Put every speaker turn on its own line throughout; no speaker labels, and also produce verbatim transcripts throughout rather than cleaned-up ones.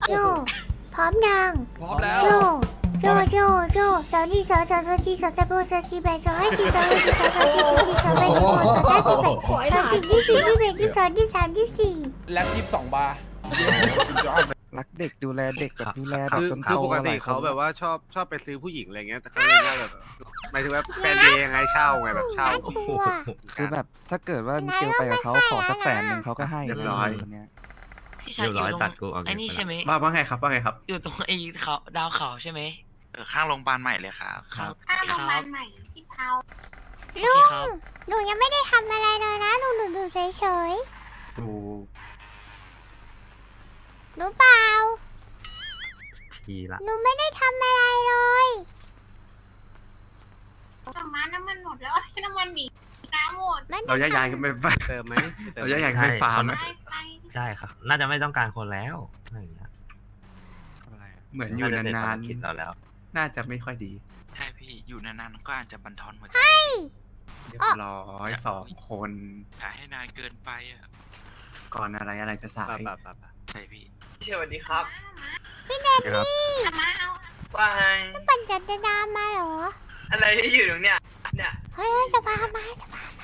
โจพร้อมยัง
พร้อมแล้ว
โจโจโจโจสาวนี่สาวสาวสาวจีสาวตะโบสาวจีแบสาวให้จีสาวให้จีสาวสาวจีสาวจีสาวแบสาวสาวจีแบสาวจีที่สี่ที่แบที่สองที่สามที่สี่
แล็บยี่สิบสองบาร์
รักเด็กดูแลเด็กแบบดูแลแบบ
คือ
จน
คือ
โต
ปก
ห
ติ
ลายค
เขา
น
แบบว่าชอบชอบไปซื้อผู้หญิงอะไรเงี้ยแต่เขาเลยว่าแบบหมายถึงว่าแฟนเดย์ยังไงเช่าไงแบบเช่า
น่ากลัว
คือแบบถ้าเกิดว่ามิเกลไปกับเขาขอสักแสนหนึ่งเขาก็ให้
เรียบร้อย
ะไางเงี้ย
พี่ชายอยู่ตรงไอ้นี่ใช่ไหม
ว่าว่าไงครับว่าไงครับ
อยู่ตรงไอ้เขาดาวเขาใช่ไหม
เออข้างโรงพยาบาลใหม่เลยครับ
ครับ
ข้างโรงพยาบาลใหม่ที่เทา
ลุงหนูยังไม่ได้ทำอะไรเลยนะหนูหนูดูเฉย
ดู
ๆหนูเปล่า
ทีละ
หนูไม่ได้ทำอะไรเลย
ต่อมาน้ำมันหมดแล้วให้น้ำมันหนีน้ำหมด
มัน
เราแยกย้ายกันไปไป
เติมไหมติม
เราแยกย้ายกันไปฟาร์มไหม
ไปไป
ใช่ครับ น่าจะไม่ต้องการคนแล้วอะไรอย่างเงี้ย
เหมือนอยู่นาน
คิดเราแล้ว
ๆน่าจะไม่ค่อยดี
ใช่พี่อยู่นานๆก็อาจจะบั่นทอนหัวใจ
เรียบร้อยสองคน
อย่าให้นานเกินไปอ่ะ
ก่อนอะไรอะไรจะสาย
แบบแบบแบบ
ใช่พี่
สวัสดีครับ
พี่เดนนี่
เอามาเอา
ว่าไง
ปั่นจักรยานมาเหรอ
อะไรที่อยู่ตรงเนี้ยเนี่ย
เฮ้ยเฮ้ยสภามาสภามา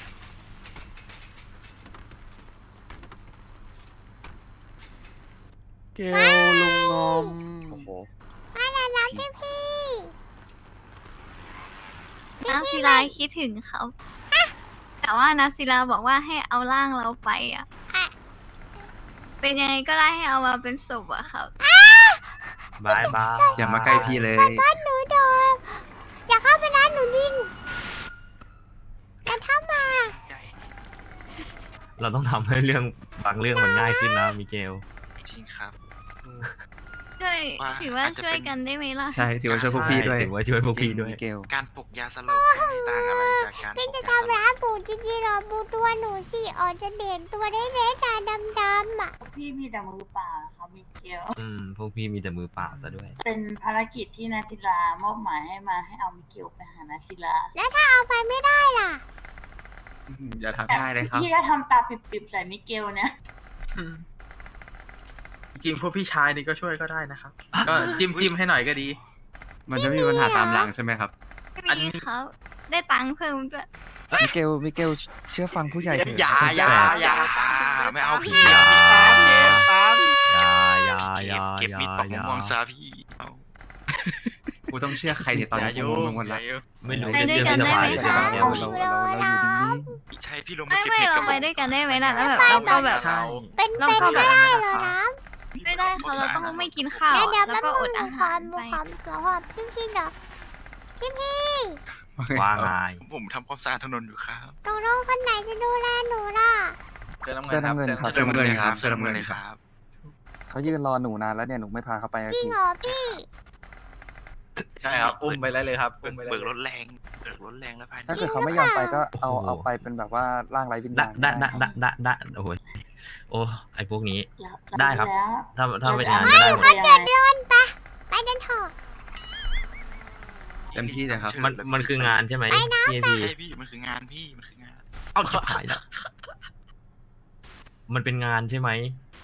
เกลลุงงอมโอ้โห
มาแล้วนะพี่พี่
นาศิลาคิดถึงเขา แต่ว่านาศิลาบอกว่าให้เอาร่างเราไปอ่ะ เป็นยังไงก็ได้ให้เอามาเป็นศพอะครับ
บายบาย
อย่ามาใกล้พี่เลย
บ้านหนูโดนอย่าเข้าไปนะหนูยิงอย่าเข้ามา
ใจ
เราต้องทำให้เรื่องบางเรื่องมันง่ายขึ้นนะมิเกล
จริงครับ
ช่วย
ว่า
ถือว่า
อาจจะ
ช่วย
เป็น
กันได้ไหมล่ะ
ใช่ถือว่าช่วยพวกพี่ด้วย
ถือว่าช่วยพวกพี่ด้วย
มิเกล
การปลุกยาสลบไม่ต่างอะไรจากการป
พี่
ลุก
จะ
ยาสล
ทำร้า
บ
นปู่จริงๆหรอปู่ตัวหนูสิอ๋อจะเด่นตัวได้เล็กๆตาดำๆอ่ะ
พี่มีแต่มือเปล่าครับมิเกล
อืม พวกพี่มีแต่มือเปล่าซะด้วย
เป็นภารกิจที่นาศิลามอบหมายให้มาให้เอามิเกลไปหานาศิลา
แล้วถ้าเอาไปไม่ได้ล่ะ
อย่าทำได้เลยครับ
พี่ก็ทำตาปิบๆใส่มิเกลเนี่ย
จริงพวกพี่ชายนี่ก็ช่วยก็ได้นะครับ ก็จิ้มจิ้มให้หน่อยก็ดี
มันจะไม่มีปัญหาตามหลังใช่ไหมครับ
ไม่มีเขาได้ตังค์เพิ่มด้วย
มิเกลมิเกลเชื่อฟังผู้ใหญ่เถอะ
อย่าอย่าอย่าไม่เอาพี่
อย่า
อย่า
ตามเกมตาม
อย่าอย่าอ
เก็
ย่า
บเก็บ
อย่า
มีดปอก
อย่า
ม่วงซาพี่เอา
กูต้องเชื่อใครเนี่ยตอนนี้กูงงหมดละ
ไม่รู้
ไปด้วย
เรื่อง
กัน
ที่
ได้
จะ
ไหม
มา
คะ
เราเราเราเราอยู่นิ่ง
พี่ชายพี่ลงมา
ไม่
เก็บ
ไม่
เห็ด
เรา
กับ
ไป
ผม
ด้วยกันได้ไหมล่ะแล้วแบบเราก็แบบ
ใช่
เป็น
เรา
เป็น
ก็แบ
ไม่
บ
ได้เหรอนะ
ไม่ได้ค่ะเราต้องไม่กินข้าว
เดี๋ยว
แล้ว
แป๊บ
ก็อ
นึ
ด
ง
อา
ค
หาว
าร ม
ไป
ความความพี่พี่เนาะพี่พี่
ว่าไง
ผมทำความสะอาดถนนอยู่ครับ
ตกลงคนไหนจะดูแลหนูล่ะ
เสื้อน้ำ
เสื้อน้ำเงิ
เงิ
น
น
ครับ
เสื้อน้ำเงินครับ
เสื้อน้ำเงินเลยครับ
เขายืนรอหนูนานแล้วเนี่ยหนูไม่พาเขาไปสัก
จริง
ที
เหรอพี่
ใช่ครับ อุ้มไปได้เลยครับ
เบิ
อุ้
ก
มไปได้
เบิก
เล
ร
ย
ถแรงเบิกรถแรงแล้วภายใน
ถ้าเกิดเขาไม่ยอมไปก็เอาเอาไปเป็นแบบว่าร่างไร้วิญ
ได้
ญาณ
ได้
ได้
ได้ได้ได้ได้โอ้โหโอ้ไอพวกนี้
แล้ว
ได้ครับ
แล้ว
ถ้าถ้าเป็นงาน
ไม่
ก็ได้หมด
เขาจะโดน
ไปไปเดินเถอะ
เต็มที่เลยครับ
มันมันคืองานใช่ไหมพี่พี่
ใช่พี่มันคืองานพี่มันคืองาน
เอาชิบหายแล้วมันเป็นงานใช่ไหม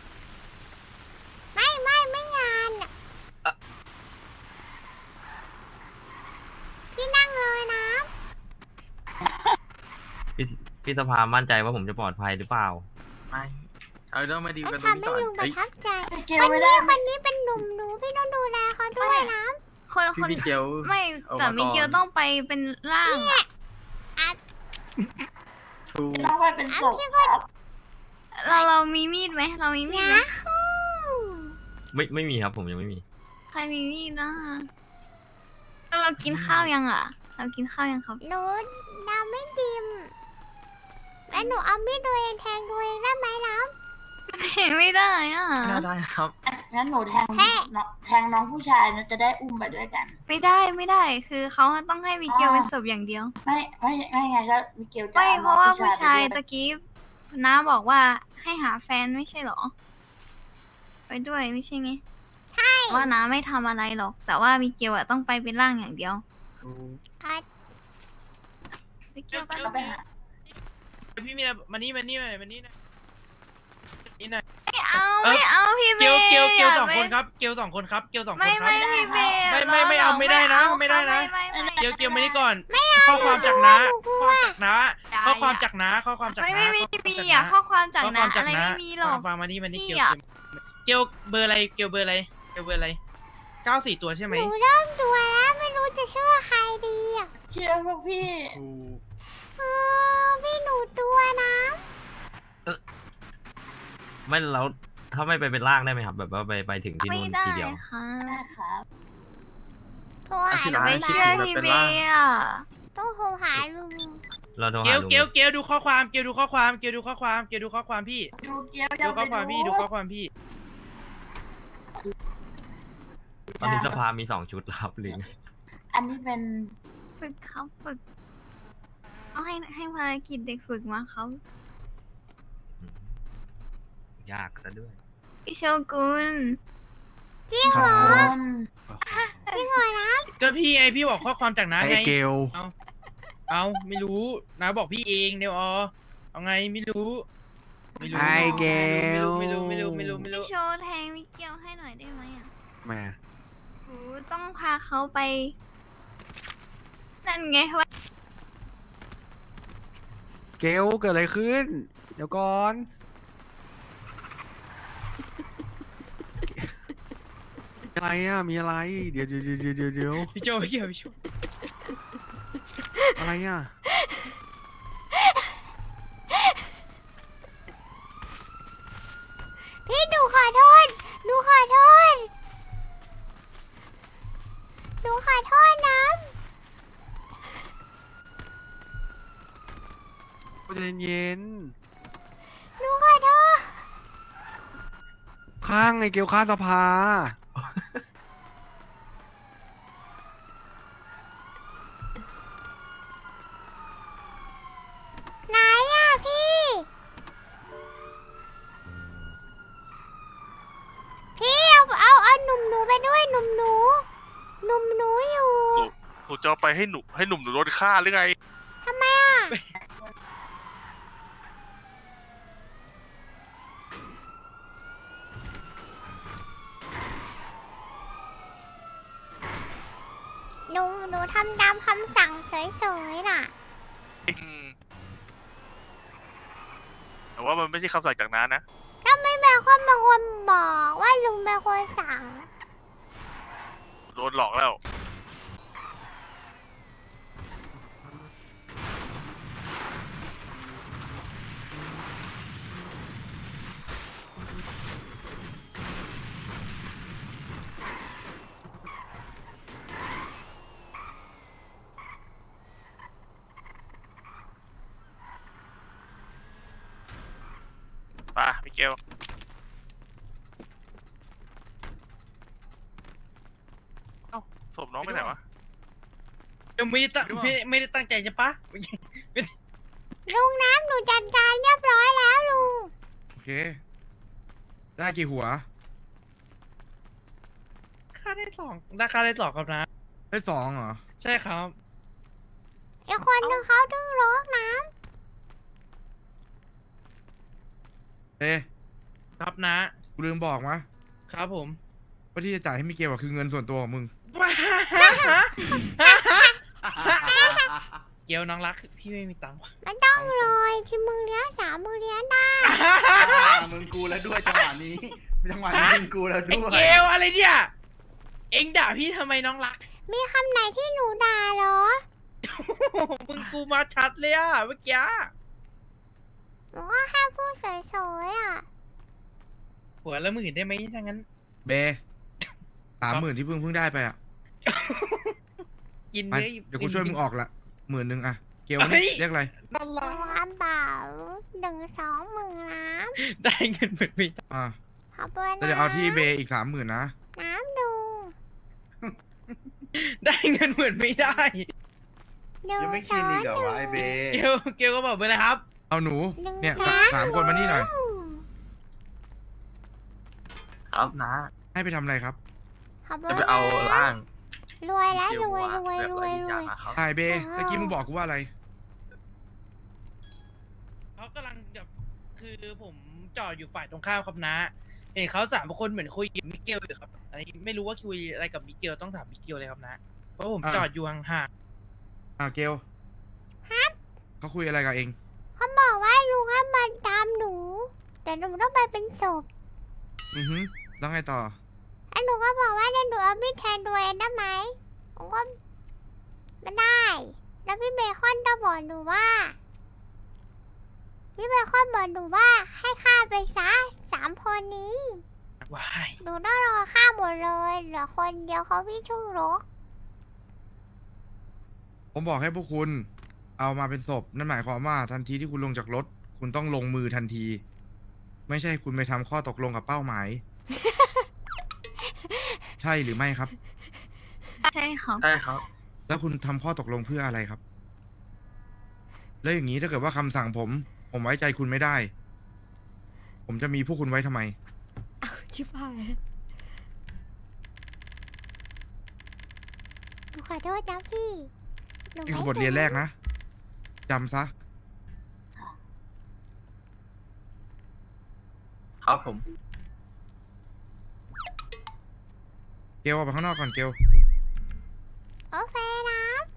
ไม่ไม่ไม่งานอะพี่นั่งเลยนะ
พี่พี่สภามั่นใจว่าผมจะปลอดภัยหรือเปล่า
ไม่เอาเรื่องมาดี
แล้ว
กันตรงนี้
ทำให้
ก่อน
ลุงประ
เอ้ย
ทับใจ
มิเก
ค
ล
น
ไม่
นี้
ได้
คนนี้เป็นหนุ่มหนูพี่ต้องดูแลเขาด้วยนะ
คนค
พี่
น
มิเกล
ไม่
เอา
แต่
มา
มิเกล
ก่อน
ต้องไปเป็นร่างอะ
ทู
ต้องไปเป็นศพครับ
เราเรามีมีดไหมเรามีมีดไหม
ไม่ไม่มีครับผมยังไม่มี
ใครมีมีดนะแล้วเรากินข้าวยังอ่ะ เรากินข้าวยังครับ
หนูน้ำไม่ดิมแล้วหนูเอามีดตัวเองแทงตัวเองได้ไหมน้
เห็นไม่ได้อ่ะ
ไม่น่าได้นะครับ
งั้นหนูแทงน้องแทงน้องผู้ชายนะจะได้อุ้มไปด้วยกัน
ไม่ได้ไม่ได้ คือเขาต้องให้มิเกลเป็นศพอย่างเดียว
ไม่ไม่ไม่ไงก็มิเกลจะ
ไม่
อ
เพราะว่าผู้ชาย
ไป
ตะ
ด้วย
กี้น้าบอกว่าให้หาแฟนไม่ใช่เหรอ ไปด้วยไม่ใช่ไงใช่ว่าน้าไม่ทำอะไรหรอก แต่ว่ามิเกลอะต้องไปเป็นร่างอย่างเดียว
ำอ่ะ
มิเกลไป
ก็ไปหา
พี่มีอะไรมานี่มานี่มามานี่นะนี่หน่อย
ไม่เอาไม่เอาพี่เบ
เกล
ย์
เกลเกล
ย่า
สอง
ไป
คนครับเกลสองคนครับเกลสองคน
ไม่
ครับ
ไม่พี่เบย์
ไม่ไม่ไม่เอาไม่ได้นะไม่ได้นะ
ไม่ไม่ไม่
เกลเกลมานี่ก่อนข้อความจากน้าข้อความจากน้าข้อความจากน้าข้อความจาก
ไม่
น้า
ไม่ไม่มีอ่ะข้อความจาก
ข้อค
นั้
วาน มจาก
อะไร
น้า
ไม่มีหรอก
ฟังมานี่มานี่
พี่
เกล
อะ
เกลเบอร์อะไรเกลเบอร์อะไรเกลเบอร์อะไรเก้าสี่ตัวใช่ไหม
หนูเริ่มตัวแล้วไม่รู้จะเชื่อใครดีอ่ะ
เชื่อพวกพี่
เออพี่หนูตัวนะ
ไม่เราถ้าไม่ไปเป็นร่างได้ไหมครับ แบบว่าไปไปถึงที่
ไม่
นู่น
ได้
ทีเดียว
ค่ะ
ได้ครับ
โทรหา
จะไปเชื่อพี่เบย์อ่ะ
ต้องโทรหาลุง
เราโทร
เก
หา
ล
ลุง
เกลเกลดูข้อความเกลดูข้อความเกลดูข้อความเกลดูข้อความพี่
ดูเกียว
ดูข้อความพี่ดูข้อความพี่
ตอนนี้สภามีสองชุดแล้วครับลิง
อันนี้เป็น
ฝึกครับฝึกเอาให้ให้ภารกิจเด็กฝึกมาครับ
ยากซะด้วย
พี่โชกุน
จริงเหรอ
คน
จริงเหรอนะ
ก็พี่ไงพี่บอกข้อความจากน้า
ไอ
ไง
เกล
เอาไม่รู้น้าบอกพี่เองเดี๋ยวอ๋อเอาไงไม่รู้ไม่รู้
ไอเกล
ไม่รู้ไม่รู้ไม่รู้ไม่รู้
พี่โชว์แทงมิเกียวให้หน่อยได้ไหมอ่ะ
แม่
โหต้องพาเขาไป นั่นไงว่า
เกลเกิดอะไรขึ้น เดี๋ยวก่อน อะไรอ่ะ มีอะไร เดี๋ยวเดี๋ยวเดี๋ยวเดี๋ยวเดี๋ยว
พี่โจพี่เกี่ยวพี่โจ
อะไรอ่ะ
พี่หนูขอโทษหนูขอโทษหนูขอโทษนะ
ใจเย็น
หนูขอโทษ
ๆข้างไอเกลข้างสภา
ไหนอ่ะพี่ พี่เอาเอาเอาหนุ่มหนูไปด้วยหนุ่มหนูหนุ่มหนูอยู่
หนูจะเอาไปให้หนุ่มให้หนุ่มหนูโดนฆ่าหรือไง
ทำไมอ่ะ หนูหนูทำตามคำสั่งเฉยๆน่ะ
อืมแต่ว่ามันไม่ใช่คำสั่งจากน้านะ
ก็ไม่เป็นคนบางคนบอกว่าลุงเป็นคนสั่ง
โดนหลอกแล้ว ป่ะมิเกลเอ้าศพน้องไปไหนวะ
ยังไม่ได้ตั้งไม่ไม่ได้ตั้งใจใช่ปะ
ลุงน้ำหนูจัดการเรียบร้อยแล้วลุง
โอเค ได้กี่หัว
ค่าได้สองราคาได้สองครับนะ
ได้สองเหรอ
ใช่ครับ
อีกคนนึงเขาตึงร้องน้
เอ๊ะ
ครับนะ
กูลืมบอกมะ
ครับผม
ว่าที่จะจ่ายให้มิเกลอะคือเงินส่วนตัวของมึง
เกียวน้องรักพี่ไม่มีตังค์ว่ะ
ำมันต้องเลยที่มึงเลี้ยงสามมึงเลี้ยงได้
มึงกูแล้วด้วยจังหวะนี้ จังหวะนี้มึงกูแล้ว
ไอ้
ด้วย
เกลอะไรเนี่ย เอ็งด่าพี่ทำไมน้องรัก
มีคำไหนที่หนูด่าเหรอ
มึงกูมาชัดเลยอะเมื่อกี้
หนูก็แค่พูดสวยๆอ่ะ
หัวละหมื่นได้ไหมถ้างั้น
เบสามหมื่นที่เพิ่งเพิ่งได้ไปอ่ะ
กิน
ไป
เนื้อ
เดี๋ยวกูช่วยมึงออกละหมื่นหนึ่งอะเกล
เฮ้ย
เรียกอะไร
น่า
หนู
รัก
กระเป๋าหนึ่งสองหมื่นน้
ได้เงินเหมือนไม่ได้
อ่า
ำขอบคุณ
แล้ว
นะ
เดี๋ยวเอาที่เบอีกสามหมื่นนะ
น้ำลุง
ได้เงินเหมือนไม่ได้
หนึ่ง
ยังไม่
ส
กิน
อง
อีกเหรอ
หนึ่
วะไอเบ
เกลเกลก็บอกไปเลยครับ
เอาหนู
หนึ่ง
เนี่ย
ส
สา
าม
สามคนมานี่หน่อย
ครับนะ
ให้ไปทำอะไรครับ
ขอบคุณ
จะไปเอาร่าง
รวยแล้วรวยรวยรวยรวย
ใช่เบเมื่อกี้มึงบอกกูว่าอะไร
เขากำลังแบบคือผมจอดอยู่ฝ่ายตรงข้ามครับนะเห็นเขาสามคนเหมือนคุยกับมิเกลอยู่ครับอันนี้ไม่รู้ว่าคุยอะไรกับมิเกลต้องถามมิเกลเลยครับนะเพราะผมจอดอยู่ห่าง
อ่าเกลเขาคุยอะไรกับเอง
เขาบอกว่าลุงให้มาตามหนู แต่หนูต้องไปเป็นศพ
อือฮึแล้วไงต่อ
แล้วหนูก็บอกว่าเดี๋ยวหนูเอามีดแทนตัวเองได้ไหมผมก็ไม่ได้ แล้วพี่เบคอนก็บอกหนูว่า พี่เบคอนบอกหนูว่าให้ฆ่าไปซะสามคนนี้
ๆว้าย
หนูต้องรอฆ่าหมดเลยเหลือคนเดียวเขาพี่ชื่อรก
ผมบอกให้พวกคุณเอามาเป็นศพนั่นหมายความว่าทันทีที่คุณลงจากรถ คุณต้องลงมือทันที ไม่ใช่คุณไปทำข้อตกลงกับเป้าหมาย ใช่หรือไม่ครับ
ใช่ครับ
ใช่ครับ
แล้วคุณทำข้อตกลงเพื่ออะไรครับ แล้วอย่างนี้ถ้าเกิดว่าคำสั่งผม ผมไว้ใจคุณไม่ได้ ผมจะมีพวกคุณไว้ทำไม
เอาชิบหายแล้วหนูขอโทษนะพี่หนู
นี่
ไม่
คือบทเรียนแรกนะจำซะ
ครับผม
เกลออกไปข้างนอกก่อนเกล
โอเคนะ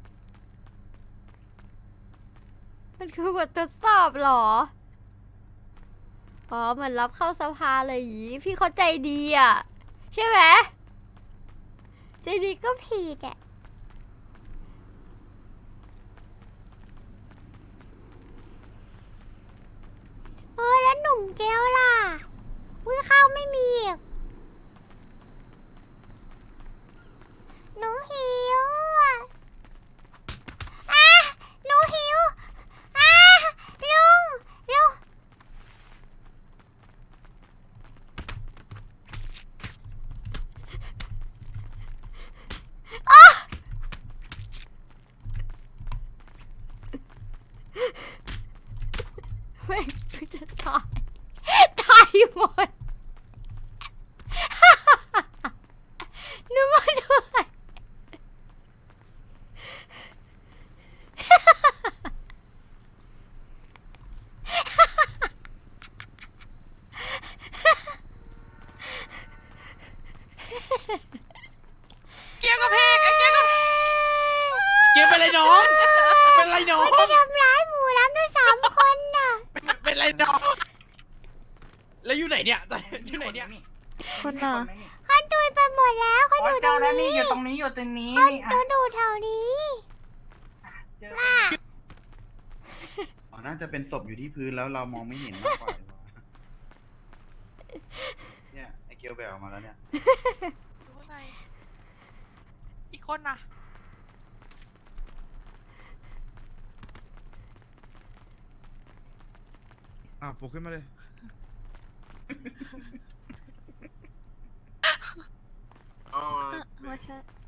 มันคือบททดสอบเหรอ อ๋อเหมือนรับเข้าสภาเลยอย่างงี้พี่เขาใจดีอ่ะ ใช่ไหมใจดีก็ผิดอ่ะเออแล้วหนุ่มเกลล่ะอุ้ยข้าวไม่มีอีกหนูหิวอ่ะอ่ะหนูหิวอ่ะลุงลุงอ๋อไม่กูจะตายตายหมดหนูมาด้วย
เกี่ยวกับเพกไอ้เกี่ยวกับเกี่ยวเป็นไรน้องเป็นไรน้อง
จะทำร้ายหมูน้ำด้วยสามคนน่ะ
เป็นไรน้องแล้วอยู่ไหนเนี่ยอยู่ไหนเนี่ย
คนน่ะ
เขาดูไปหมดแล้วเขาอยู่ตรงนี้
อยู่ตรงนี้อยู่ตรงนี้
เขาดูดูแถวนี้น่ะ
อ๋อน่าจะเป็นศพอยู่ที่พื้นแล้วเรามองไม่เห็นมากกว่าเนี่ยไอเกียวแบลมาแล้วเนี่ย
อีกคนน่ะ
อ่ะปลุกขึ้นมาเลย
อ๋อ
ว่าใช่